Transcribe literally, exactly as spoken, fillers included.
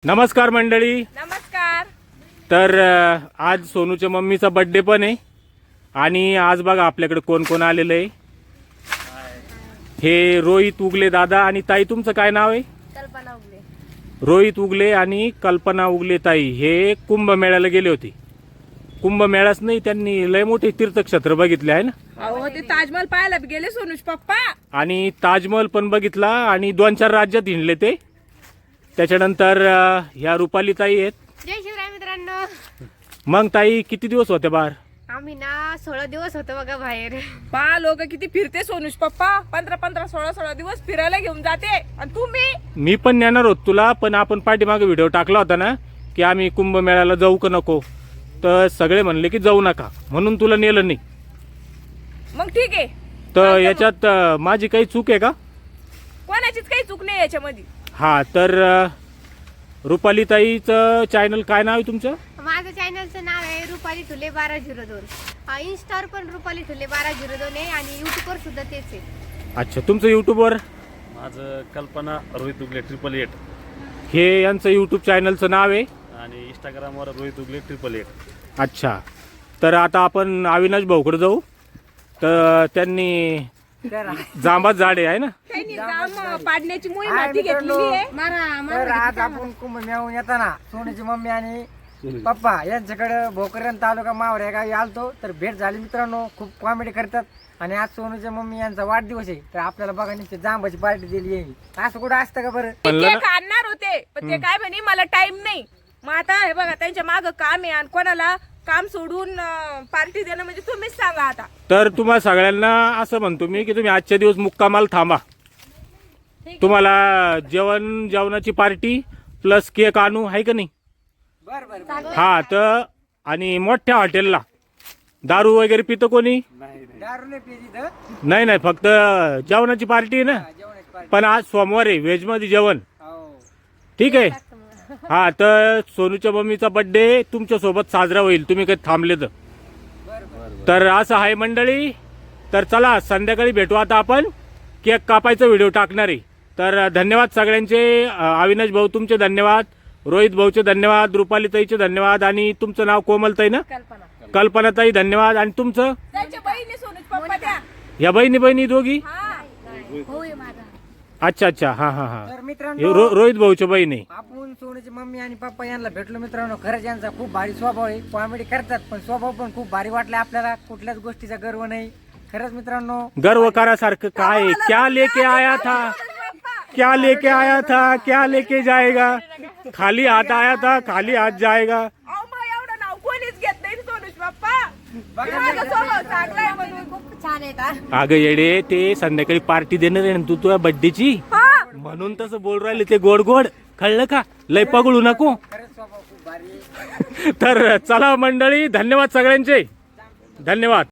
नमस्कार मंडळी. नमस्कार. तर अ, आज सोनूच्या मम्मीचा बर्थडे पण आहे आणि आज बघा आपल्याकडे कोण कोण आलेलं आहे. हे रोहित उगले दादा आणि ताई. तुमचं काय नाव आहे? कल्पना उगले. रोहित उगले आणि कल्पना उगले ताई हे कुंभमेळ्याला गेले होते. कुंभमेळाच नाही, त्यांनी लय मोठे तीर्थक्षेत्र बघितले आहे ना. अहो ते ताजमहल पाहायला बी गेले सोनूज पप्पा. आणि ताजमहल पण बघितला आणि दोन चार राज्यात हिंडले ते. त्याच्यानंतर अ, ह्या रुपाली ताई आहेत. जय शिवराय मित्रांनो. मग ताई किती दिवस होते बाहेर? आम्ही ना सोळा दिवस होतो बघा बाहेर. पा लोक किती फिरते सोनूज पप्पा. पंधरा पंधरा सोळा सोळा दिवस फिरायला घेऊन जाते. आणि तुम्ही? मी पण नेणार होत तुला, पण आपण पाठीमागे व्हिडिओ टाकला होता ना की आम्ही कुंभमेळ्याला जाऊ का नको, तर सगळे म्हणले की जाऊ नका, म्हणून तुला नेलं नाही. मग ठीक आहे. तर याच्यात अ, माझी काही चूक आहे का? कोणाचीच काही चूक नाही याच्यामध्ये. हा, तर अ, रुपाली ताईचं चॅनल काय नाव आहे तुमचं? माझं चॅनलचं नाव आहे रुपाली ठुले बारा झिरो दोन. इन्स्टावर पण रुपाली ठुले बारा झिरो दोन आहे आणि युट्यूबवर सुद्धा तेच आहे. अच्छा, तुमचं युट्यूबवर? माझं कल्पना रोहित उगले ट्रिपल एट हे यांचं युट्यूब चॅनलचं नाव आहे. आणि इंस्टाग्रामवर रोहित उगले ट्रिपल एट. अच्छा, तर आता आपण अविनाश भाऊकडे जाऊ. तर त्यांनी जांबात झाडे आहे ना. त्यांनी जाम पाडण्याची मोहीम हाती घेतलेली आहे. तर आज आपण कुंभमेळ्याहून येताना सोनूची मम्मी आणि पप्पा यांच्याकडे भोकरदन तालुका मावळ या गावी आलतो. तर भेट झाली मित्रांनो. खूप कॉमेडी करतात आणि आज सोनूच्या मम्मी यांचा वाढदिवस आहे, तर आपल्याला बघा निश्चित जांबाची पार्टी दिली आहे. असं कुठं असतं का बरं? म्हणलं ना. केक आणणार होते पण ते काय म्हणे मला टाइम नाही. मग आता हे बघा त्यांच्या माग काम आहे आणि कोणाला काम सोडून पार्टी देणं म्हणजे तुम्हीच सांगा आता. तर तुम्हा सगळ्यांना असं म्हणतो मी की तुम्ही आजच्या दिवस मुक्कामाल थांबा. तुम्हाला जेवण जेवणाची पार्टी प्लस केक आणू आहे का नाही? बरं बरं. हा, तर आणि मोठ्या हॉटेलला दारू वगैरे पितं कोणी? दारू नाही पिली इथं. नाही नाही, फक्त जेवणाची पार्टी आहे ना. जेवणाची पार्टी. पण आज सोमवार आहे, व्हेज मध्ये जेवण. हो. ठीक आहे. हा, तर सोनूच्या मम्मीचा बर्थडे तुमच्या सोबत साजरा होईल, तुम्ही काही थांबले तर. तर असं आहे मंडळी. तर चला संध्याकाळी भेटू आता आपण. केक कापायचा व्हिडिओ टाकणार आहे. तर धन्यवाद सगळ्यांचे. अविनाश भाऊ तुमचे धन्यवाद, रोहित भाऊचे धन्यवाद, रुपाली ताईचे धन्यवाद आणि तुमचं नाव कोमलताई ना? कल्पना. कल्पनाताई धन्यवाद. आणि तुमचं? त्यांच्या बहिणी सोनूज पप्पा त्या. या बहिणी बहिणी दोघी? हा. होय माझा. अच्छा अच्छा, हा हा हा. तर हे मित्रांनो रो, रोहित भाऊच्या बहिणी. आपण सोनूची मम्मी आणि पप्पा यांना भेटलो मित्रांनो. खरंच यांचा खूप भारी स्वभाव आहे. कॉमेडी करतात पण स्वभाव पण खूप भारी वाटला आपल्याला. कुठल्याच गोष्टीचा गर्व नाही. खरंच मित्रांनो गर्व करासारखं काय आहे? क्या लेके आया था, क्या लेके आया था, क्या लेके जाएगा. खाली हाथ आया था, खाली हाथ जाएगा. अहो मग एवढं नाव कोणीच घेत नाही सोनूज पप्पा. माझा स्वभाव चांगला आहे म्हणून. खूप छान आहे का? अगं येडे, ते संध्याकाळी पार्टी देणार आहे ना तू तुझ्या बर्थडेची, हा. म्हणून तसं बोल राहिले ते गोड गोड. कळलं का? लय पगळू नको. खरंच स्वभाव खूप भारी आहे. तर चला मंडळी, धन्यवाद सगळ्यांचे. धन्यवाद.